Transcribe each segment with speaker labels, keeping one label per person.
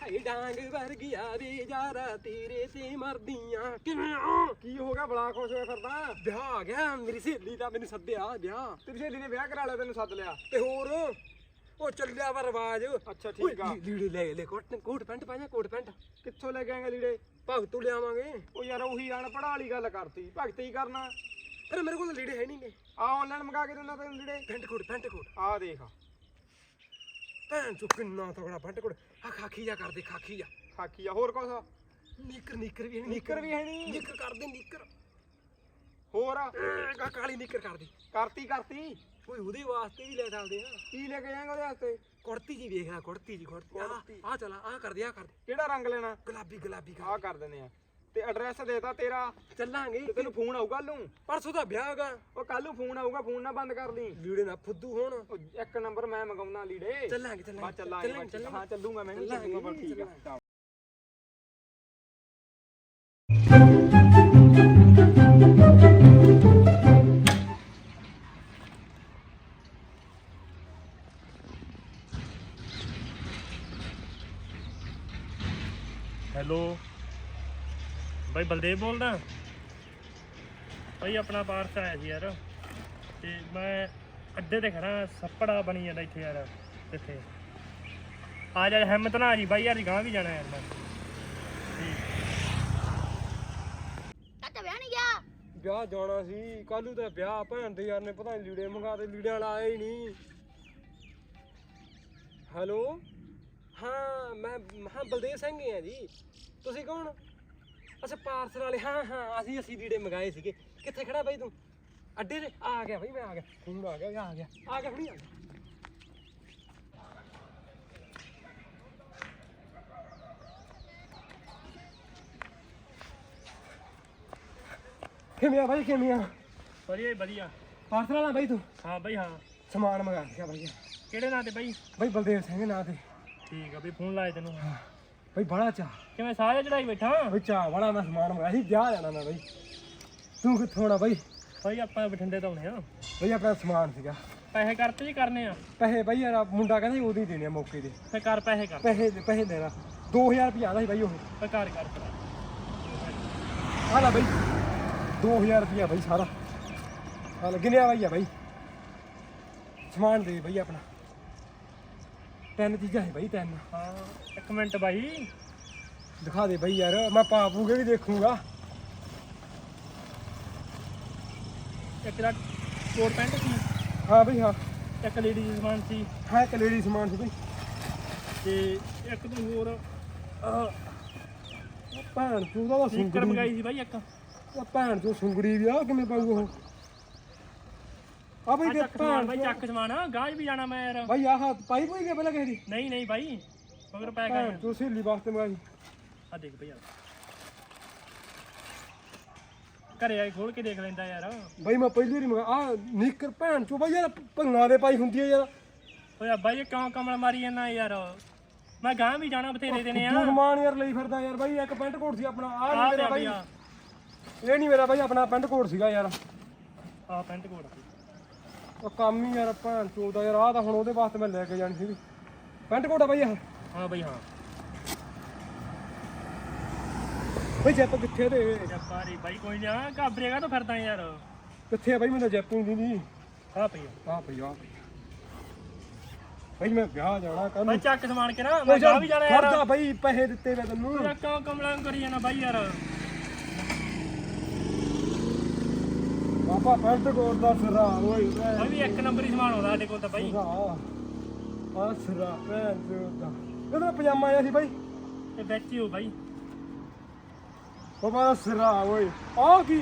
Speaker 1: ਹਾਏ ਡਾਂਗ ਵਰਗਿਆ ਵੇ ਯਾਰਾ ਤੇਰੇ ਤੇ ਮਰਦੀਆਂ ਕਿਵੇਂ
Speaker 2: ਕੀ ਹੋ ਗਿਆ ਬੜਾ ਖੁਸ਼ ਹੋਇਆ ਫਿਰਦਾ?
Speaker 1: ਵਿਆਹ ਆ ਗਿਆ ਮੇਰੀ ਸਹੇਲੀ ਦਾ ਮੈਨੂੰ ਸੱਦਿਆ ਵਿਆਹ
Speaker 2: ਤੇਰੀ ਸਹੇਲੀ ਨੇ ਵਿਆਹ ਕਰਾ ਲਿਆ ਤੈਨੂੰ ਸੱਦ ਲਿਆ?
Speaker 1: ਤੇ ਹੋਰ ਉਹ ਚੱਲਿਆ ਵਾ ਰਿਵਾਜ।
Speaker 2: ਅੱਛਾ ਠੀਕ ਆ।
Speaker 1: ਲੀੜੇ ਲੈ ਕੋਟ ਪੈਂਟ ਪਾਇਆ ਕੋਟ ਪੈਂਟ
Speaker 2: ਕਿੱਥੋਂ ਲੈ ਕੇ ਆਏਗਾ ਲੀੜੇ?
Speaker 1: ਭਗਤੋਂ ਲਿਆਵਾਂਗੇ।
Speaker 2: ਉਹ ਯਾਰ ਉਹੀ ਅਨਪੜ੍ਹ ਵਾਲੀ ਗੱਲ ਕਰਤੀ, ਭਗਤ ਹੀ ਕਰਨਾ।
Speaker 1: ਅਰੇ ਮੇਰੇ ਕੋਲ ਲੀੜੇ ਹੈ ਨਹੀਂਗੇ।
Speaker 2: ਆ ਆਨਲਾਈਨ ਮੰਗਾ ਕੇ ਦਿੰਦਾ ਤੈਨੂੰ ਲੀੜੇ।
Speaker 1: ਪੈਂਟ ਕੋਟ
Speaker 2: ਆ ਦੇਖ
Speaker 1: ਭੈਣ ਚੋ ਕਿੰਨਾ ਤਗੜਾ ਪੈਂਟ ਕੋਟ। ਆ ਖਾਕੀ ਜਾ ਕਰਦੇ ਖਾਕੀ ਜਾ।
Speaker 2: ਖਾਕੀ ਆ ਹੋਰ ਕੁਛ?
Speaker 1: ਨੀਕਰ ਵੀ ਹੈ ਨੀ।
Speaker 2: ਨੀਕਰ ਵੀ ਹੈ ਨੀ?
Speaker 1: ਨੀਕਰ ਕਰਦੇ ਨੀਕਰ
Speaker 2: ਹੋਰ
Speaker 1: ਕਾਲੀ ਨੀਕਰ ਕਰਦੀ
Speaker 2: ਕਰਤੀ
Speaker 1: ਓਏ ਉਹਦੇ ਵਾਸਤੇ ਵੀ ਲੈ ਚੱਲਦੇ ਆ।
Speaker 2: ਕੀ ਲੈ ਕੇ ਜਾਏਗਾ ਉਹਦੇ ਵਾਸਤੇ?
Speaker 1: ਕੁੜਤੀ ਜੀ ਵੇਖ ਲੈ ਕੁੜਤੀ ਆ ਚਲਾ ਆ ਕਰਦੇ
Speaker 2: ਕਿਹੜਾ ਰੰਗ ਲੈਣਾ?
Speaker 1: ਗੁਲਾਬੀ
Speaker 2: ਆ ਕਰ ਦਿੰਦੇ ਆ। ਤੇ ਐਡਰੈਸ ਦੇਤਾ ਤੇਰਾ,
Speaker 1: ਚੱਲਾਂਗੇ।
Speaker 2: ਤੇ ਤੈਨੂੰ ਫੋਨ ਆਊਗਾ ਕੱਲ ਨੂੰ?
Speaker 1: ਪਰਸੋਂ ਦਾ ਵਿਆਹ ਹੈਗਾ।
Speaker 2: ਉਹ ਕੱਲ ਨੂੰ ਫੋਨ ਆਊਗਾ, ਫੋਨ ਨਾ ਬੰਦ ਕਰ ਲਈ।
Speaker 1: ਲੀੜੇ ਨਾ ਫੁੱਦੂ ਹੋਣ।
Speaker 2: ਉਹ ਇੱਕ ਨੰਬਰ ਮੈਂ ਮੰਗਾਉਣਾ ਲੀੜੇ।
Speaker 1: ਚੱਲਾਂਗੇ
Speaker 2: ਹਾਂ ਚੱਲੂਗਾ ਮੈਂ ਵੀ। ਠੀਕ ਆ।
Speaker 3: ਹੈਲੋ ਬਾਈ ਬਲਦੇਵ ਬੋਲਦਾ ਬਾਈ। ਆਪਣਾ ਪਾਰਸਲ ਆਇਆ ਸੀ ਯਾਰ, ਤੇ ਮੈਂ ਅੱਡੇ ਤੇ ਖੜਾ, ਸੱਪੜਾ ਬਣੀ ਜਾਂਦਾ ਇੱਥੇ ਯਾਰ। ਕਿੱਥੇ ਆ ਜਾ, ਹਿੰਮਤ ਨਾ ਆ ਜੀ ਬਾਈ ਯਾਰ, ਗਾਂ ਵੀ ਜਾਣਾ ਯਾਰ ਮੈਂ।
Speaker 4: ਚਾਚਾ ਵਿਆਹ ਨਹੀਂ ਗਿਆ?
Speaker 1: ਵਿਆਹ ਜਾਣਾ ਸੀ ਕੱਲ ਨੂੰ। ਤਾਂ ਵਿਆਹ ਭੈਣ ਦੇ ਯਾਰ ਨੇ ਪਤਾ ਨੀ ਲੀੜੇ ਮੰਗਾ ਤੇ ਲੀੜਿਆਂ ਵਾਲਾ ਆਇਆ ਹੀ ਨਹੀਂ। ਹੈਲੋ ਹਾਂ ਮੈਂ ਬਲਦੇਵ ਸਿੰਘ ਹੀ ਆ ਜੀ। ਤੁਸੀਂ ਕੌਣ? ਅੱਛਾ ਪਾਰਸਲ ਵਾਲੇ। ਹਾਂ ਅਸੀਂ ਲੀੜੇ ਮੰਗਾਏ ਸੀਗੇ। ਕਿੱਥੇ ਖੜਾ ਬਾਈ ਤੂੰ? ਅੱਡੇ ਤੇ ਆ ਗਿਆ ਬਾਈ, ਮੈਂ ਆ ਗਿਆ। ਫੋਨ ਆ ਗਿਆ ਹੁਣੀ ਆ ਗਿਆ। ਕਿਵੇਂ ਆ ਬਾਈ ਕਿਵੇਂ ਆ?
Speaker 3: ਵਧੀਆ।
Speaker 1: ਪਾਰਸਲ ਵਾਲਾ ਬਾਈ ਤੂੰ?
Speaker 3: ਹਾਂ ਬਾਈ ਹਾਂ।
Speaker 1: ਸਮਾਨ ਮੰਗਾ ਲਿਆ ਬਾਈ।
Speaker 3: ਕਿਹੜੇ ਨਾਂ ਤੇ ਬਾਈ?
Speaker 1: ਬਾਈ ਬਲਦੇਵ ਸਿੰਘ ਨਾਂ ਤੇ।
Speaker 3: ਠੀਕ ਆ ਬਈ, ਫੋਨ ਲਾਇਆ ਤੈਨੂੰ।
Speaker 1: ਬਾਈ ਬੜਾ ਚਾਹ।
Speaker 3: ਕਿਵੇਂ ਸਾਹ ਚੜਾਈ ਬੈਠਾ?
Speaker 1: ਬਾਈ ਚਾਹ ਬੜਾ, ਮੈਂ ਸਮਾਨ ਮੰਗਾਇਆ ਸੀ, ਵਿਆਹ ਜਾਣਾ ਮੈਂ ਬਾਈ। ਤੂੰ ਕਿੱਥੋਂ ਆਉਣਾ ਬਾਈ?
Speaker 3: ਬਾਈ ਆਪਾਂ ਬਠਿੰਡੇ ਤੋਂ ਆਉਣੇ ਆ।
Speaker 1: ਬਾਈ ਆਪਣਾ ਸਮਾਨ ਸੀਗਾ।
Speaker 3: ਪੈਸੇ ਕਰਤੇ ਜੀ ਕਰਨੇ ਆ?
Speaker 1: ਪੈਸੇ ਬਾਈ ਯਾਰ ਮੁੰਡਾ ਕਹਿੰਦਾ ਉਦੋਂ ਹੀ ਦੇਣੇ ਆ ਮੌਕੇ ਤੇ।
Speaker 3: ਫੇ ਕਰ ਪੈਸੇ ਕਰ।
Speaker 1: ਪੈਸੇ ਦੇਣਾ 2000 ਰੁਪਇਆ ਆਦਾ ਸੀ ਬਾਈ ਉਹ।
Speaker 3: ਫੇ ਕਰ
Speaker 1: ਆ ਲੈ ਬਾਈ 2000 ਰੁਪਇਆ ਬਾਈ ਸਾਰਾ। ਆ ਲੈ ਗਿਣਿਆ ਬਾਈ ਆ ਬਾਈ। ਸਮਾਨ ਦੇ ਬਾਈ ਆਪਣਾ। 3 ਚੀਜ਼ਾਂ ਹੈ ਬਾਈ 3।
Speaker 3: ਹਾਂ ਇੱਕ ਮਿੰਟ ਬਾਈ
Speaker 1: ਦਿਖਾ ਦੇ ਬਾਈ ਯਾਰ, ਮੈਂ ਪਾਪੂਗੇ ਵੀ ਦੇਖੂਗਾ।
Speaker 3: ਇੱਕ ਦਾ ਕੋਟ ਪੈਂਟ ਸੀ।
Speaker 1: ਹਾਂ ਬਾਈ ਹਾਂ।
Speaker 3: ਇੱਕ ਲੇਡੀ ਸਮਾਨ ਸੀ।
Speaker 1: ਹਾਂ ਇੱਕ ਲੇਡੀ ਸਮਾਨ ਸੀ ਬਾਈ।
Speaker 3: ਤੇ ਇੱਕ ਤੋਂ ਹੋਰ
Speaker 1: ਭੈਣ ਤੂੰ ਦਾ
Speaker 3: ਸੀਕਰ
Speaker 1: ਸੁੰਗੜੀ
Speaker 3: ਮੰਗਾਈ ਸੀ ਬਾਈ ਇੱਕ।
Speaker 1: ਉਹ ਭੈਣ ਤੂੰ ਸੁੰਗੜੀ ਵੀ ਆ ਕਿਵੇਂ ਪਾਊ ਉਹ? ਆ ਬਾਈ ਦੇ
Speaker 3: ਚੱਕ ਸਮਾਨ ਬਾਈ, ਚੱਕ ਸਮਾਨ। ਗਾਜ ਵੀ ਜਾਣਾ ਮੈਂ ਯਾਰ।
Speaker 1: ਬਾਈ ਆਹ ਪਾਈ ਪਈ ਗਿਆ ਪਹਿਲਾਂ ਕਿਸੇ ਦੀ?
Speaker 3: ਨਹੀਂ ਬਾਈ, ਮਗਰ ਪੈ
Speaker 1: ਭੈਣ
Speaker 3: ਗਿਆ।
Speaker 1: ਤੂੰ ਸਹੇਲੀ ਵਾਸਤੇ ਮੰਗਾਈ।
Speaker 3: ਆ ਦੇਖ ਬਈ, ਘਰੇ ਆਈ ਖੋਲ ਕੇ ਦੇਖ ਲੈਂਦਾ ਯਾਰ।
Speaker 1: ਬਾਈ ਮੈਂ ਪਹਿਲੀ ਵਾਰੀ ਮੰਗਾ ਆ ਨੀਕਰ ਭੈਣ ਚੋ ਬਾਈ ਯਾਰ ਭੰਗਾਂ ਦੇ ਪਾਈ ਹੁੰਦੀ ਹੈ ਯਾਰ।
Speaker 3: ਓਏ ਬਾਈ ਇਹ ਕਿਉਂ ਕਮਲ ਮਾਰੀ ਜਾਂਦਾ ਯਾਰ? ਮੈਂ ਗਾਂ ਵੀ ਜਾਣਾ, ਬਥੇਰੇ ਦੇਣੇ ਆ।
Speaker 1: ਤੂੰ ਸਮਾਨ ਯਾਰ ਲਈ ਫਿਰਦਾ ਯਾਰ। ਬਾਈ ਇੱਕ ਪੈਂਟ ਕੋਟ ਸੀ ਆਪਣਾ। ਆ ਨਹੀਂ ਮੇਰਾ ਬਾਈ,
Speaker 3: ਆ
Speaker 1: ਇਹ ਨਹੀਂ ਮੇਰਾ ਬਾਈ, ਆਪਣਾ ਪੈਂਟ ਕੋਟ ਸੀਗਾ ਯਾਰ।
Speaker 3: ਪੈਂਟ ਕੋਟ
Speaker 1: ਉਹ ਕੰਮ ਹੀ ਯਾਰ ਭੈਣ ਚੋ ਦਾ ਯਾਰ। ਆ ਤਾਂ ਹੁਣ ਉਹਦੇ ਵਾਸਤੇ ਮੈਂ ਲੈ ਕੇ ਜਾਣੀ ਸੀਗੀ ਪੈਂਟ ਕੋਟ ਆ ਬਾਈ ਆਹ।
Speaker 3: ਹਾਂ ਬਾਈ ਹਾਂ।
Speaker 1: ਬਾਈ ਜੈਪ ਕਿੱਥੇ ਤੇ?
Speaker 3: ਜੱਪਾਰੀ ਬਾਈ ਕੋਈ ਨਾ, ਘਾਬਰੇਗਾ ਤਾਂ ਫਿਰਦਾ ਯਾਰ।
Speaker 1: ਕਿੱਥੇ ਆ ਬਾਈ? ਮੈਨੂੰ ਜੈਪ ਨਹੀਂ ਦਿੰਦੀ।
Speaker 3: ਆ ਪਈ
Speaker 1: ਆ ਪਈ ਬਾਈ ਮੈਂ ਵਿਆਹ ਜਾਣਾ ਕੱਲ।
Speaker 3: ਬਾਈ ਚੱਕ ਸਮਾਨ ਕੇ ਨਾ, ਮੈਂ ਗਾਂ ਵੀ ਜਾਣਾ ਯਾਰ।
Speaker 1: ਖਰਚਾ ਬਾਈ ਪੈਸੇ ਦਿੱਤੇ ਮੈਂ ਤੈਨੂੰ।
Speaker 3: ਯਾਰ ਕਿਉਂ ਕਮਲਾਂ ਕਰੀ ਜਾਣਾ ਬਾਈ ਯਾਰ?
Speaker 1: ਬਾਬਾ ਪੈਂਟ ਕੋਟ ਦਾ ਸਿਰਾ ਓਏ
Speaker 3: ਬਾਈ ਵੀ ਇੱਕ ਨੰਬਰ ਹੀ ਸਮਾਨ ਆਉਂਦਾ ਸਾਡੇ ਕੋਲ ਤਾਂ ਬਾਈ।
Speaker 1: ਆ ਸਿਰਾ ਭੈਣ ਚੋਦਾ। ਇਹਦਾ ਪਜਾਮਾ ਆਇਆ ਸੀ ਬਾਈ।
Speaker 3: ਤੇ ਵਿੱਚ ਹੀ ਹੋ ਬਾਈ।
Speaker 1: ਬਾਬਾ ਸਿਰਾ ਓਏ ਆ ਕੀ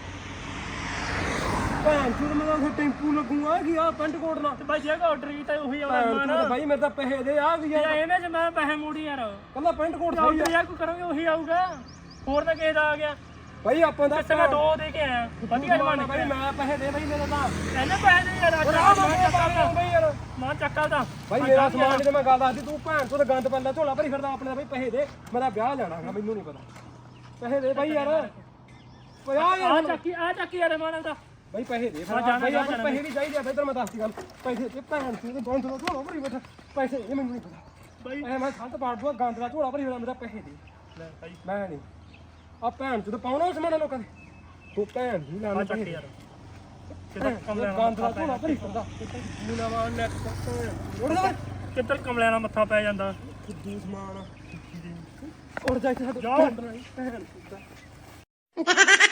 Speaker 1: ਭੈਣ ਚੋਦ, ਮੈਂ ਤਾਂ ਟੈਂਪੂ ਲੱਗੂਗਾ ਕਿ ਆ ਪੈਂਟ ਕੋਟ ਨਾਲ।
Speaker 3: ਤੇ ਬਾਈ ਜਿਹੜਾ ਆਰਡਰ ਕੀਤਾ ਉਹੀ ਆਉਣਾ ਸਮਾਨ।
Speaker 1: ਬਾਈ ਮੇਰੇ ਤਾਂ ਪੈਸੇ ਦੇ ਆ ਵੀ ਯਾਰ।
Speaker 3: ਇਹਨੇ ਚ ਮੈਂ ਪੈਸੇ ਮੋੜੀ ਯਾਰ।
Speaker 1: ਕੱਲਾ ਪੈਂਟ ਕੋਟ ਸਹੀ
Speaker 3: ਆਰਡਰ
Speaker 1: ਆ
Speaker 3: ਯਾਰ ਕੋਈ ਕਰਾਂਗੇ ਉਹੀ ਆਊਗਾ, ਹੋਰ ਤਾਂ ਕਿਸੇ ਦਾ ਆ ਗਿਆ।
Speaker 1: ਬਾਈ ਆਪਾਂ ਦਾ
Speaker 3: ਕਿੱਥੇ ਮੈਂ 2 ਦੇ ਕੇ ਆਇਆ। ਵਧੀਆ ਸਮਾਨ
Speaker 1: ਬਾਈ ਮੈਂ ਪੈਸੇ ਦੇ ਬਾਈ ਮੇਰੇ ਤਾਂ।
Speaker 3: ਇਹਨੇ ਪੈਸੇ ਦੇ ਯਾਰ।
Speaker 1: ਬਾਈ ਯਾਰ
Speaker 3: ਮਾਂ ਚੱਕਾ ਦਾ
Speaker 1: ਬਾਈ ਮੇਰਾ ਸਮਾਨ ਜਦੋਂ ਮੈਂ ਗੱਲ ਦੱਸਦੀ ਤੂੰ ਭੈਣ ਚੋਦ ਗੰਦ ਪੈਂਦਾ ਝੋਲਾ ਭਰੀ ਫਿਰਦਾ ਆਪਣੇ ਦਾ। ਬਾਈ ਪੈਸੇ ਦੇ, ਮੇਰਾ ਵਿਆਹ ਜਾਣਾਗਾ, ਮੈਨੂੰ ਨਹੀਂ ਪਤਾ। ਪੈਸੇ ਦੇ ਬਾਈ ਯਾਰ।
Speaker 3: ਆ ਚੱਕੀ ਯਾਰ ਮਾਨਵ ਦਾ
Speaker 1: ਬਾਈ ਪੈਸੇ ਦੇ। ਬਾਈ ਆਪਾਂ ਪੈਸੇ ਵੀ ਚਾਹੀਦੇ ਆ। ਇੱਧਰ ਮੈਂ ਦੱਸਦੀ ਗੱਲ। ਪੈਸੇ ਤੇ ਭੈਣ ਚੋਦ ਬੰਦ ਤੋਂ ਝੋਲਾ ਭਰੀ ਬੈਠਾ। ਪੈਸੇ ਇਹ ਮੈਨੂੰ ਨਹੀਂ ਪਤਾ।
Speaker 3: ਬਾਈ
Speaker 1: ਐ ਮੈਂ ਸੰਤ ਪਾੜ ਦੂਆ ਗੰਦ ਦਾ ਝੋਲਾ ਭਰੀ ਹੋਣਾ ਮੇਰਾ ਪੈਸੇ ਦੇ
Speaker 3: ਲੈ ਬਾਈ
Speaker 1: ਮੈਂ ਨਹੀਂ ਆ ਭੈਣ ਜਦੋਂ ਪਾਉਣਾ ਸਮਾਨ ਲੋਕਾਂ ਦੇ ਤੂੰ ਭੈਣ ਨਹੀਂ
Speaker 3: ਆ
Speaker 1: ਲਾਣਾ
Speaker 3: ਚੱਕ ਯਾਰ ਕਿੱਧਰ
Speaker 1: ਗੰਦ
Speaker 3: ਕਮਲਿਆਂ
Speaker 1: ਦਾ
Speaker 3: ਨਾਲ
Speaker 1: ਝੋਲਾ ਭਰੀ ਫਿਰਦਾ ਮੁਨਾਵਾ ਨੈਟ ਉੱਡ ਜਾ
Speaker 3: ਕਿੱਧਰ ਕਮਲਿਆਂ ਨਾਲ ਮੱਥਾ ਪੈ ਜਾਂਦਾ
Speaker 1: ਖੁੱਦੂ ਸਮਾਨ ਉੱਡ ਜਾ ਇੱਥੇ ਸਾਡੇ
Speaker 3: ਜਾਓ।
Speaker 1: ਭੈਣ